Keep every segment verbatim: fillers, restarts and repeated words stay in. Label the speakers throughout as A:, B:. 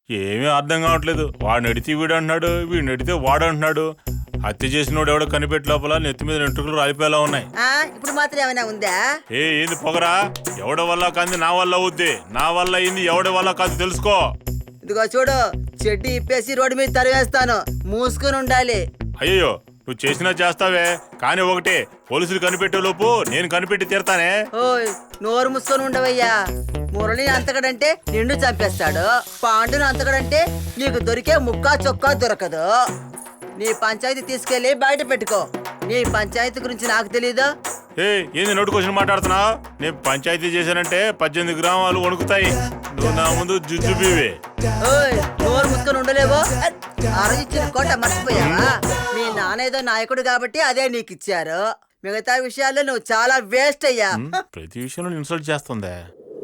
A: ఏమీ అర్థం కావట్లేదు. వాడిని అడితే వీడు అంటున్నాడు, వీడిని అడితే వాడు అంటున్నాడు. హత్య చేసినోడు ఎవడో కనిపెట్టి లోపల నెత్తి మీద వెంట్రుకలు రాలిపోయేలా ఉన్నాయి.
B: ఆ ఇప్పుడు మాత్రం ఏమైనా ఉందా?
A: ఏ ఏంది పొగరా? ఎవడి వల్ల కాదు నా వల్ల అవుద్ది, నా వల్ల అయింది ఎవడి వల్ల కాదు తెలుసుకో.
B: ఇదిగో చూడు, చెడ్డి ఇప్పేసి రోడ్డు మీద తరివేస్తాను, మూసుకుని ఉండాలి.
A: అయ్యో నువ్వు చేసినా చేస్తావే, కానీ ఒకటే పోలీసులు కనిపెట్టే లోపు నేను కనిపెట్టి తీరతానే.
B: ఓయ్ నోరు మూసుకొని ఉండవయ్యా. మురళిని అంతకడంటే నిండు చంపేస్తాడు, పాండును అంతకడంటే నీకు దొరికే ముక్కా చొక్కా దొరకదు. నీ పంచాయతీ తీసుకెళ్లి బయట పెట్టుకో. నీ పంచాయతీ గురించి నాకు తెలీదా?
A: ఏ ఏంది నోటు క్వశ్చన్ మాట్లాడుతున్నావు? నేను పంచాయతీ చేశానంటే పద్దెనిమిది గ్రామాలు వణుకుతాయి. నువ్వు నా ముందు జుజు బీవే.
B: ఓయ్ నోరు మూసుకొని ఉండలేవో? అరజిచ్చిన కోట మర్చిపోయావా? మీ నాన్న ఏదో నాయకుడు కాబట్టి అదే నీకు ఇచ్చారు. మిగతా విషయాల్లో నువ్వు చాలా వేస్ట్ అయ్యా.
A: ప్రతి విషయంలో ఇన్సల్ట్ చేస్తుందే.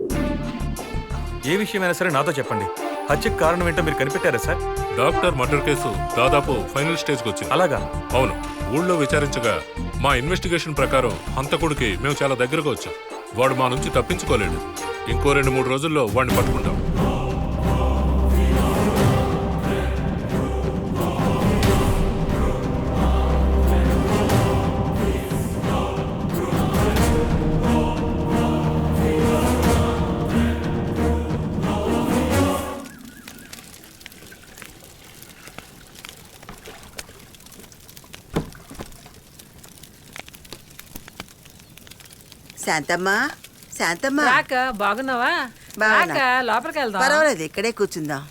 C: ఏ విషయమైనా సరే నాతో చెప్పండి. హత్యకు కారణం ఏంటో మీరు కనిపెట్టారా సార్?
D: డాక్టర్ మర్డర్ కేసు దాదాపు ఫైనల్ స్టేజ్కి వచ్చింది.
C: అలాగా?
D: అవును. ఊళ్ళో విచారించగా మా ఇన్వెస్టిగేషన్ ప్రకారం హంతకుడికి మేము చాలా దగ్గరగా వచ్చాం. వాడు మా నుంచి తప్పించుకోలేడు. ఇంకో రెండు మూడు రోజుల్లో వాడిని పట్టుకుంటాం.
B: శాంతమ్మా, శాంతమ్మా,
E: రాక బాగున్నావా?
B: బాగున్నా.
E: రాక లోపలికి వెళ్దాం.
B: పర్వాలేదు, ఇక్కడే కూర్చుందాం.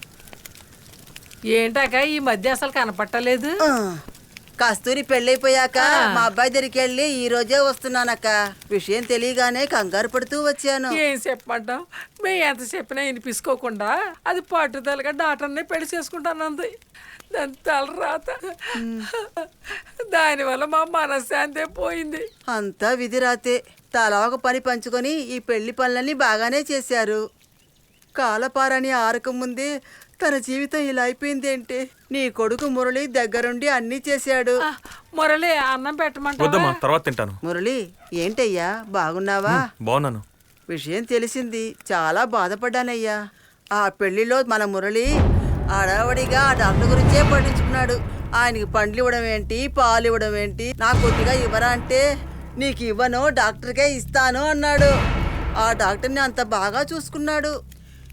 E: ఏంటాక ఈ మధ్య అసలు కనపట్టలేదు.
B: ఆ, కస్తూరి పెళ్ళైపోయాక
E: ఆ.
B: మా అబ్బాయి దగ్గరికి వెళ్ళి ఈ రోజే వస్తున్నానక్క. విషయం తెలియగానే కంగారు పడుతూ వచ్చాను.
E: ఏం చెప్పమంటాం? మేము ఎంత చెప్పినా వినిపించుకోకుండా అది పట్టుదలగా డాక్టర్నే పెళ్లి చేసుకుంటానంది. దాని తల రాత, దానివల్ల మా మనశ్శాంతే పోయింది.
B: అంతా విధిరాతే. తలా ఒక పని పంచుకొని ఈ పెళ్లి పనులన్నీ బాగానే చేశారు. కాలపారని ఆరక ముందే తన జీవితం ఇలా అయిపోయిందేంటి? నీ కొడుకు మురళి దగ్గరుండి అన్నీ చేశాడు.
E: ఆ, మురళి అన్నం పెట్టమంటావా?
C: వద్దమ్మా, తర్వాత తింటాను.
B: మురళి ఏంటయ్యా, బాగున్నావా?
C: బాగున్నాను.
B: విషయం తెలిసింది, చాలా బాధపడ్డానయ్యా. ఆ పెళ్లిలో మన మురళి అడావడిగా ఆ డాక్టర్ గురించే పట్టించుకున్నాడు. ఆయనకి పండ్లు ఇవ్వడం ఏంటి, పాలు ఇవ్వడం ఏంటి, నా కొద్దిగా ఇవ్వరా అంటే నీకు ఇవ్వను, డాక్టర్కే ఇస్తాను అన్నాడు. ఆ డాక్టర్ని అంత బాగా చూసుకున్నాడు.